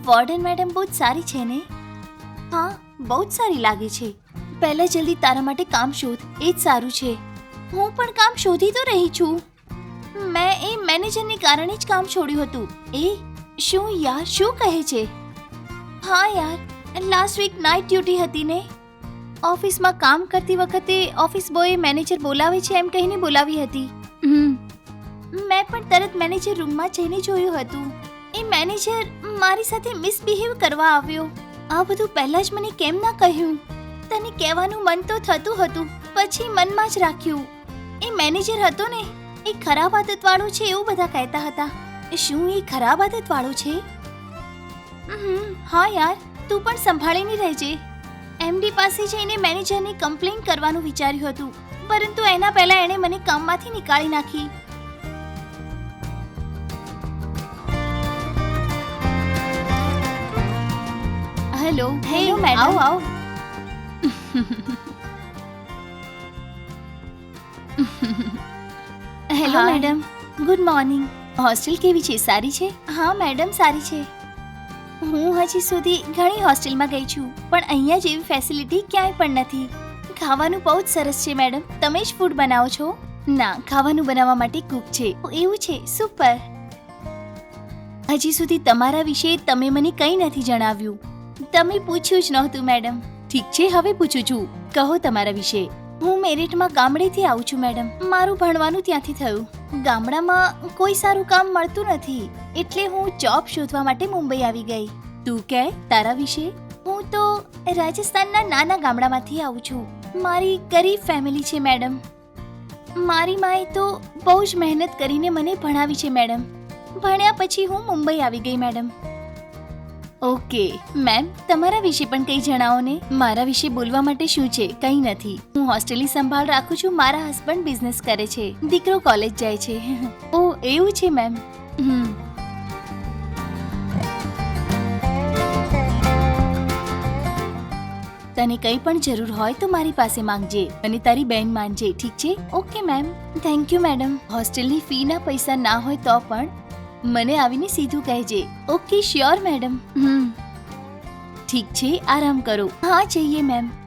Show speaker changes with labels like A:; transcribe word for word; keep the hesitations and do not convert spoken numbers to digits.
A: Warden madam બહુ જ સારી છે ને? હા, બહુ જ સારી લાગે છે. પહેલા જલ્દી તારા માટે કામ શોધ, એ જ સારું છે. હું પણ કામ શોધી તો રહી છું. મેં એ મેનેજરને કારણે જ કામ છોડ્યું હતું. એ શું યાર, શું કહે છે? હા યાર, લાસ્ટ વીક નાઇટ ડ્યુટી હતી ને. ઓફિસમાં કામ કરતી વખતે ઓફિસ બોય મેનેજર બોલાવે છે એમ કહીને બોલાવી હતી. હમ મેં પણ તરત મેનેજર રૂમમાં જઈને જોયું હતું. એ મેનેજર મારી સાથે મિસબિહેવ કરવા આવ્યો. આ બધું પહેલા જ મને કેમ ના કહ્યું? તને કહેવાનું મન તો થતું હતું, પછી મનમાં જ રાખ્યું. એ મેનેજર હતો ને, એ ખરાબ આદતવાળો છે એવું બધા કહેતા હતા. શું એ ખરાબ આદતવાળો છે? હમ હા યાર, તું પણ સંભાળીને રહેજે. એમડી પાસે જઈને મેનેજરની કમ્પ્લેન કરવાનું વિચાર્યું હતું, પરંતુ એના પહેલા એણે મને કામમાંથી નીકાળી નાખી. હેલો હેલો મેડમ, આવો આવો. Hello madam, good morning. Hostel કેવી છે? સારી છે? હા મેડમ, સારી છે. હું હજી સુધી ઘણી હોસ્ટેલમાં ગઈ છું, પણ અહીંયા જેવી ફેસિલિટી ક્યાંય પણ નથી. ખાવાનું બહુ જ સરસ છે મેડમ. તમે જ ફૂડ બનાવો છો? ના, ખાવાનું બનાવવા માટે કુક છે. એવું છે? સુપર. હજી સુધી તમારા વિશે તમે મને કંઈ નથી જણાવ્યું. તમે પૂછ્યું જ નહોતું મેડમ. ઠીક છે, હવે પૂછું છું. કહો તમારા વિશે. હું મેરિટમાં ગામડેથી આવું છું મેડમ. મારું ભણવાનું ત્યાંથી થયું. ગામડામાં કોઈ સારું કામ મળતું નથી, એટલે હું જોબ શોધવા માટે મુંબઈ આવી ગઈ. તું કે તારા વિશે? હું તો રાજસ્થાનના નાના ગામડામાંથી આવું છું. મારી ગરીબ ફેમિલી છે મેડમ. મારી માએ તો બહુ જ મહેનત કરીને મને ભણાવી છે મેડમ. ભણ્યા પછી હું મુંબઈ આવી ગઈ મેડમ. ઓકે મેમ, તમારા વિશે પણ કંઈ જણાવો ને. મારા વિશે બોલવા માટે શું છે? કંઈ નથી. હું હોસ્ટેલની સંભાળ રાખું છું. મારા હસબન્ડ બિઝનેસ કરે છે, દીકરો કોલેજ જાય છે. ઓ એવું છે મેમ. હમ તને કંઈ પણ જરૂર હોય તો મારી પાસે માંગજે અને તારી બેન માનજે, ઠીક છે? Okay ma'am. Thank you madam. હોસ્ટેલની ફીના પૈસા ના હોય તો પણ મને આવીને સીધું કહેજે. Okay sure madam. હમ ઠીક છે, આરામ કરો. હા જઈએ મેમ.